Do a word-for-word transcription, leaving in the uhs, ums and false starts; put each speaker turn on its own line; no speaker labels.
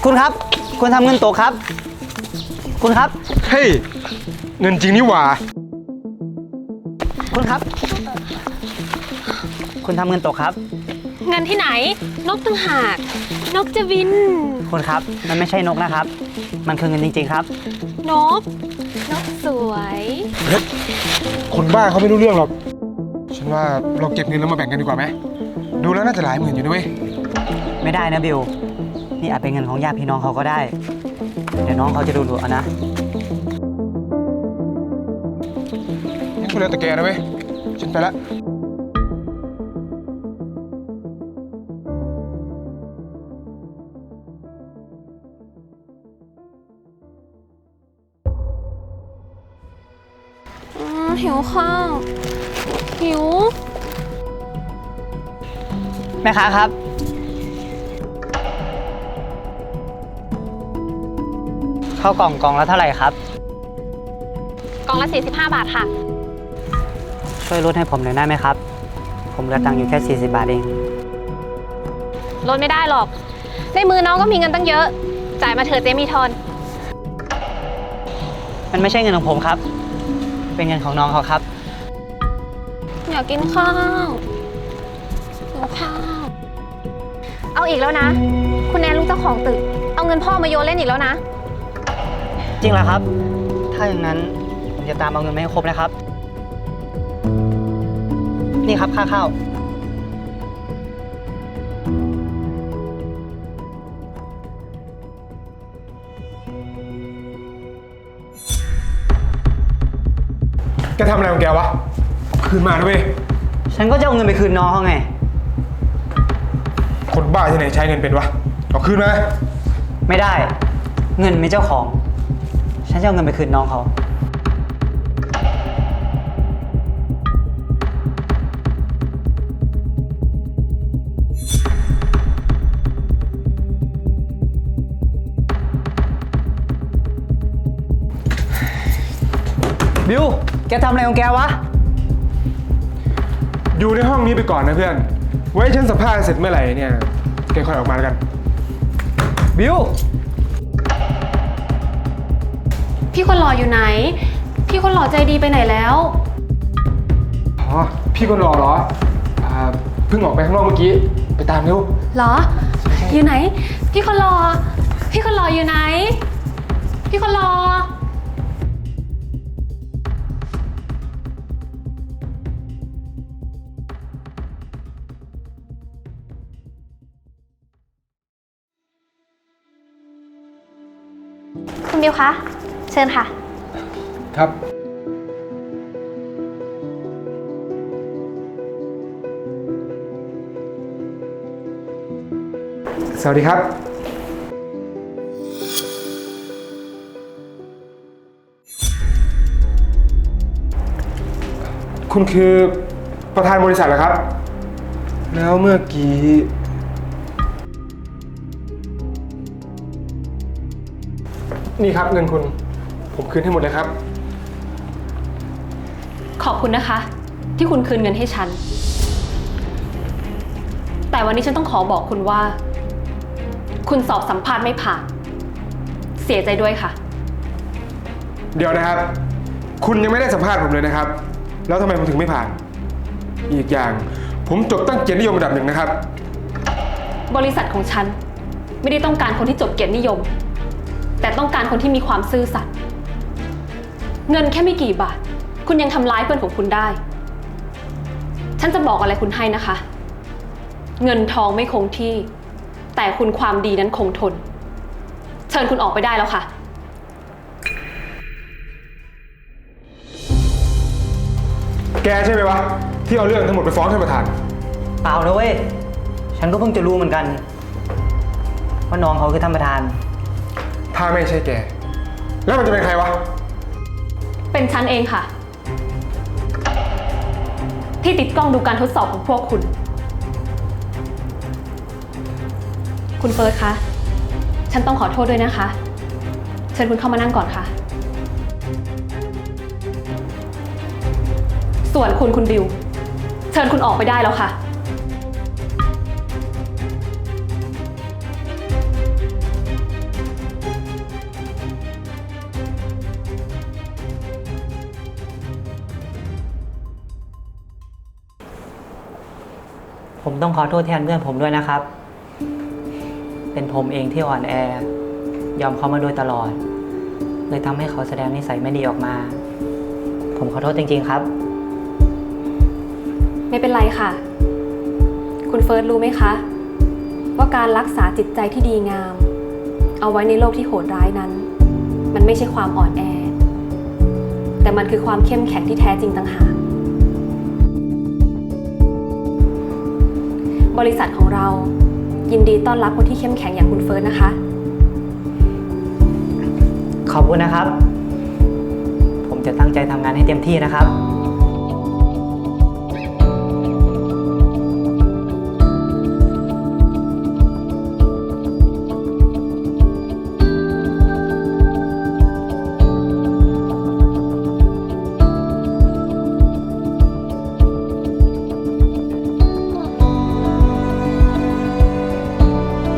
คุณครับคุณทำเงินตกครับคุณครับ
เฮ้ยเงินจริงนี่หว่า
คุณครับคุณทำเงินตกครับ
เงินที่ไหนนกต่างหากนกจะบิน
คุณครับมันไม่ใช่นกนะครับ มันคือเงินจริงๆครับ
นกนกสวย
เฮ้ยคนบ้าเขาไม่รู้เรื่องหรอกฉันว่าเราเก็บเงินแล้วมาแบ่งกันดีกว่าไหมดูแล้วน่าจะหลายหมื่นอยู่นะเว้ย
ไม่ได้นะบิวนี่อาจเป็นเงินของญาติพี่น้องเขาก็ได้เดี๋ยวน้องเขาจะดูดูเอานะ
งั้นคุณเลือกแต่แกนะเว้ยฉันไปละ
หิวข้าวหิว
แม่ค้าครับข้าวกล่องกล่องละเท่าไหร่ครับ
กล่องละสี่สิบห้าบาทค่ะ
ช่วยลดให้ผมหน่อยได้ไหมครับผมเหลือตังค์อยู่แค่สี่สิบบาทเอง
ลดไม่ได้หรอกในมือน้องก็มีเงินตั้งเยอะจ่ายมาเถอะเจมีทอน
มันไม่ใช่เงินของผมครับเป็นเงินของน้องเขาครับ
อยากกินข้าวหิวข้าวเอาอีกแล้วนะคุณแนนลูกเจ้าของตึกเอาเงินพ่อมาโยนเล่นอีกแล้วนะ
จริงเหรอครับถ้าอย่างนั้นผมจะตามเอาเงินมาให้ครบนะครับนี่ครับค่าข้าว
แกทำอะไรของแกวะคืนมานะเว้ย
ฉันก็จะเอาเงินไปคืนน้องเขาไง
คนบ้าที่ไหนใช้เงินเป็นวะเอาคืนมา
ไม่ได้เงินมีเจ้าของฉันจะเอาเงินไปคืนน้องเขาบิวแกทำอะไรของแกวะ
อยู่ในห้องนี้ไปก่อนนะเพื่อนไว้ฉันสัมภาษณ์เสร็จเมื่อไหร่เนี่ยแกค่อยออกมาแล้วกัน
บิว
พี่คนหล่ออยู่ไหนพี่คนหล่อใจดีไปไหนแล้ว
อ๋อพี่คนหล่อเหรออ่าเพิ่งออกไปข้างนอกเมื่อกี้ไปตามเร็ว
เหรออยู่ไหนพี่คนหล่อพี่คนหล่ออยู่ไหนพี่คนหล่อคุณบิวคะเชิญค่ะ
ครับสวัสดีครับคุณคือประธานบริษัทเหรอครับแล้วเมื่อกี้นี่ครับเงินคุณผมคืนให้หมดเลยครับ
ขอบคุณนะคะที่คุณคืนเงินให้ฉันแต่วันนี้ฉันต้องขอบอกคุณว่าคุณสอบสัมภาษณ์ไม่ผ่านเสียใจด้วยค่ะ
เดี๋ยวนะครับคุณยังไม่ได้สัมภาษณ์ผมเลยนะครับแล้วทำไมผมถึงไม่ผ่านอีกอย่างผมจบตั้งเกียรตินิยมระดับหนึ่งนะครับ
บริษัทของฉันไม่ได้ต้องการคนที่จบเกียรตินิยมแต่ต้องการคนที่มีความซื่อสัตย์เงินแค่ไม่กี่บาทคุณยังทำร้ายเพื่อนของคุณได้ฉันจะบอกอะไรคุณให้นะคะเงินทองไม่คงที่แต่คุณความดีนั้นคงทนเชิญคุณออกไปได้แล้วค่ะ
แกใช่ไหมวะที่เอาเรื่องทั้งหมดไปฟ้องท่านประธาน
เปล่านะเว้ยฉันก็เพิ่งจะรู้เหมือนกันว่าน้องเขาคือท่านประธาน
ถ้าไม่ใช่แกแล้วมันจะเป็นใครวะ
เป็นฉันเองค่ะที่ติดกล้องดูการทดสอบของพวกคุณคุณเฟิร์สคะฉันต้องขอโทษด้วยนะคะเชิญคุณเข้ามานั่งก่อนค่ะส่วนคุณคุณบิวเชิญคุณออกไปได้แล้วค่ะ
ค
ผมต้องขอโทษแทนเพื่อนผมด้วยนะครับ เป็นผมเองที่อ่อนแอ ยอมเขามาโดยตลอด เลยทำให้เขาแสดงนิสัยไม่ดีออกมา ผมขอโทษจริงๆครับ
ไม่เป็นไรค่ะ คุณเฟิร์สรู้ไหมคะ ว่าการรักษาจิตใจที่ดีงาม เอาไว้ในโลกที่โหดร้ายนั้น มันไม่ใช่ความอ่อนแอ แต่มันคือความเข้มแข็งที่แท้จริงต่างหากบริษัทของเรายินดีต้อนรับคนที่เข้มแข็งอย่างคุณเฟิร์สนะคะ
ขอบคุณนะครับ ผมจะตั้งใจทำงานให้เต็มที่นะครับ